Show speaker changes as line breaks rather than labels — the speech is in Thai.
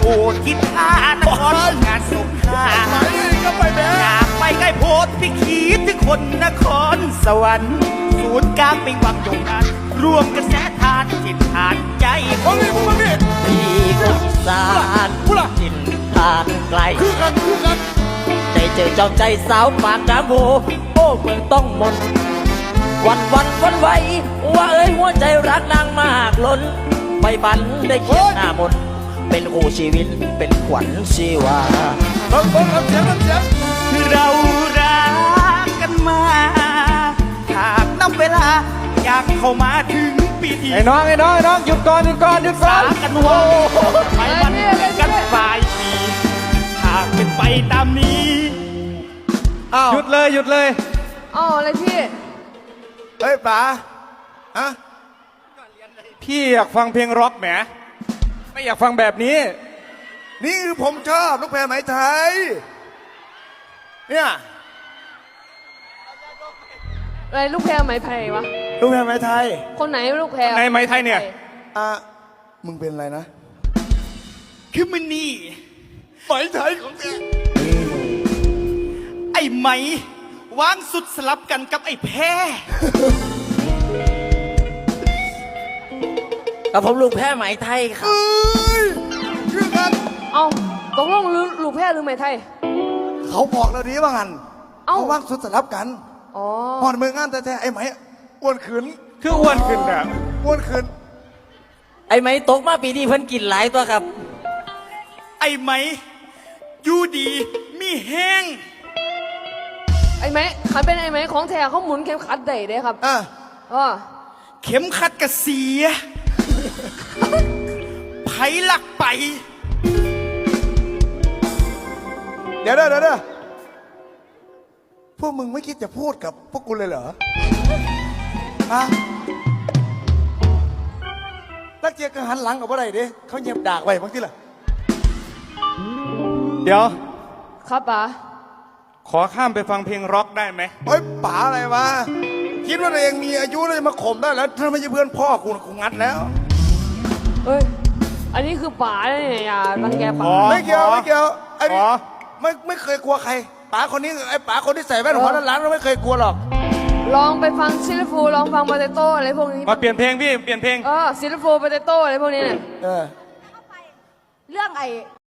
คิดท่านครงานสงขลา
ก็ไปแม่
อยากไปใกล้โพธิ์ที่คิดถึงคนนครสวรรค์ศูนย์กลางเป็นวังโด่งดังรวมกระแสทานจิตทานใจ
มึงนี่
พี่คนอีสานจิตทานไกล
คือกัน
ได้เจอจอมใจสาวปากน้ำโหโอ้เมืองต้องมนวันไหวว่าเอ้ยหัวใจรักนางมากล้นไปฝันได้เขียนหน้ามนเป็นคู่ชีวิตเป็นขวัญชีวา
เสียง
เรารักกันมาหากนับเวลาอยากเข้ามาถึงปีที่
ไอ้น้องหยุดก่อน
สากันว่าไปวันกันปลายปีหากเป็นไปตามนี้
หยุดเลย
อ๋ออะไรพี่
เฮ้ยป๋าฮะพี่อยากฟังเพลงร็อกแหมไม่อยากฟังแบบนี้นี่คือผมชอบลูกแพรไหมไทยเนี่ย
อะไรลูกแพรไหมไทยวะ
ลูกแพรไหมไทย
คนไหนลูกแพร
ในไหมไทยเนี่ยมึงเป็นอะไรนะ
คือมันนี่
ไหมไทยของแก
ไอ้ไหมวางสุดสลับกันกับไอ้แพ้กับผมลูกแพ้ไหมไทยครับ
คือกัน
เอาตกลงลูกแพรหรือไหมไทย
เขาบอกเราดีว่างันเขาวางสุดสลับกัน
อ๋อ
พอมืองานแต่ไอ้ไหมอ้วนขึ้นคืออ้วนขึ้นอ่ะอ้วนขึ้น
ไอ้ไหมตกมาปีนี้เพิ่นกินหลายตัวครับไอ้ไหมอยู่ดีมีแห้ง
ไอ้ไหมขันเป็นไอ้ไหมของแท้เขาหมุนเข็มขัดได้เด้ครับ
เข็มขัดกระเสียไผ่หลักไป
เดี๋ยวพวกมึงไม่คิดจะพูดกับพวกกูเลยเหรอฮะนักเจียก็หันหลังกับอะไรดิเขาเงียบดากไว้บางทีล่ะเดี๋ยว
ครับป๋า
ขอข้ามไปฟังเพลงร็อกได้ไหมเฮ้ยป๋าอะไรวะคิดว่าตัวเองมีอายุเลยมาข่มได้แล้วถ้าไม่ใช่เพื่อนพ่อกูงัดแล้ว
เฮ้ยอันนี้คือป๋าเนี่ยอย่ารังแกป๋า
ไม่เกี่ยวไอ้นี่ไม่เคยกลัวใครป๋าคนนี้ไอ้ป๋าคนที่ใส่แว่นหัวล้านเราไม่เคยกลัวหรอก
ลองไปฟังซิลฟูลองฟังโปเตโต้อะไรพวกนี้
มาเปลี่ยนเพลงพี่เปลี่ยนเพลง
ซิลฟูโปเตโต้อะไรพวกนี้เนี่ย
เรื่องไอ้